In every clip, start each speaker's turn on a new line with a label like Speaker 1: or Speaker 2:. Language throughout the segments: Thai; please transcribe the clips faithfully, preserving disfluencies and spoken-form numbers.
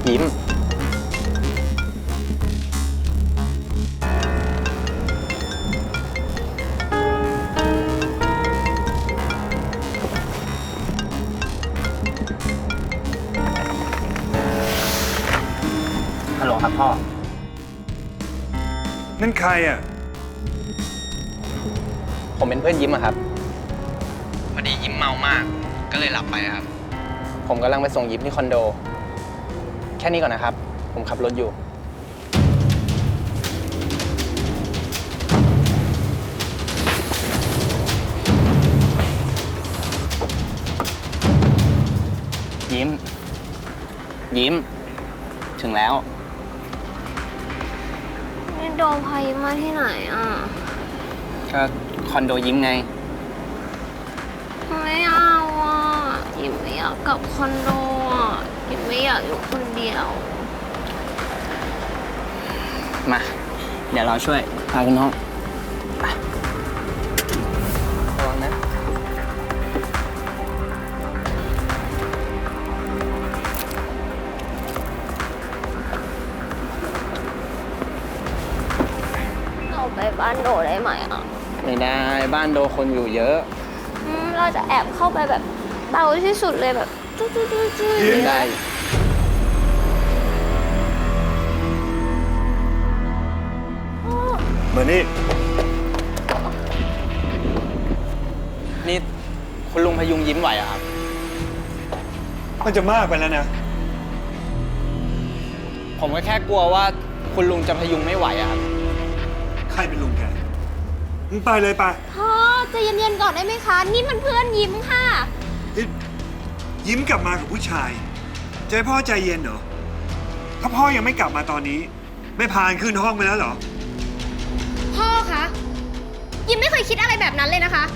Speaker 1: ยิ้มฮัลโหลครับพ่อ
Speaker 2: นั่นใครอ่ะ
Speaker 1: ผมเป็นเพื่อนยิ้มอะครับพอดียิ้มเมามากก็เลยหลับไปครับผมกำลังไปส่งยิ้มที่คอนโดแค่นี้ก่อนนะครับผมขับรถอยู่ยิ้มยิ้มถึงแล้ว
Speaker 3: นี่โดมพายิ้มมาที่ไหนอ่ะ
Speaker 1: ก็คอนโดยิ้มไง
Speaker 3: ไม่เอาอ่ะยิ้มไม่อยากกลับคอนโดอ่ะยิ้มไม่อยากอยู่คนเดียว
Speaker 1: มาเดี๋ยวเราช่วยพาคุณน้องระวังนะ
Speaker 3: เราไปบ้านโดได้ไหมอ่ะ
Speaker 1: ไม่ได้บ้านโดคนอยู่เยอะ
Speaker 3: เราจะแอบเข้าไปแบบเบาที่สุดเลยแบบจุ๊จุ๊จุ๊จุ๊
Speaker 1: ไม่ได้
Speaker 2: มานี่
Speaker 1: นี่คุณลุงพยุงยิ้มไหวอะครับ
Speaker 2: มันจะมากไปแล้วนะ
Speaker 1: ผมก็แค่กลัวว่าคุณลุงจะพยุงไม่ไหวอะครับ
Speaker 2: ใครเป็นลุงแกมึงไปเลยไป
Speaker 3: พ่อใจเย็นๆก่อนได้ไหมคะนี่มันเพื่อนยิ้มค่ะ
Speaker 2: ยิ้มกลับมากับผู้ชายจะให้พ่อใจเย็นเหรอถ้าพ่อยังไม่กลับมาตอนนี้ไม่พานขึ้นห้องไปแล้วเหรอ
Speaker 3: พ่อคะยิ้มไม่เคยคิดอะไรแบบนั้นเลยนะคะ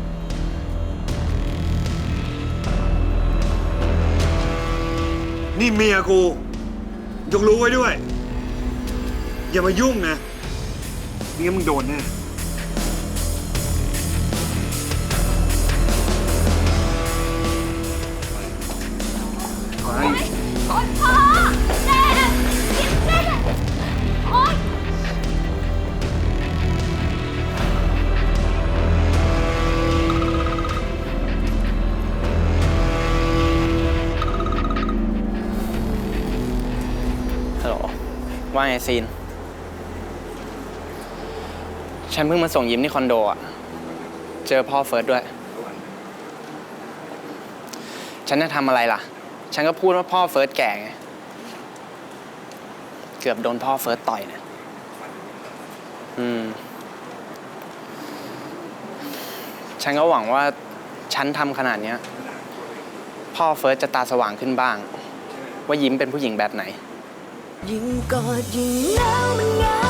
Speaker 2: นี่เมียกูยกรู้ไว้ด้วยอย่ามายุ่งนะไม่งั้นมึงโดนแน่
Speaker 3: โอ๊ยพ่อเจ็บยิ้มเจ็บโอ๊ย
Speaker 1: ฮัลโหลว่าไงซีนฉันเพิ่งมาส่งยิ้มที่คอนโดอะเจอพ่อเฟิร์สด้วยฉันจะทำอะไรล่ะฉันก็พูดว่าพ่อเฟิร์สแก่ไงเกือบโดนพ่อเฟิร์สต่อยเนี่ยอืมฉันก็หวังว่าฉันทำขนาดนี้พ่อเฟิร์สจะตาสว่างขึ้นบ้างว่ายิ้มเป็นผู้หญิงแบบไหน
Speaker 4: ยิ่งกอดยิ่งหนาวมันเหงา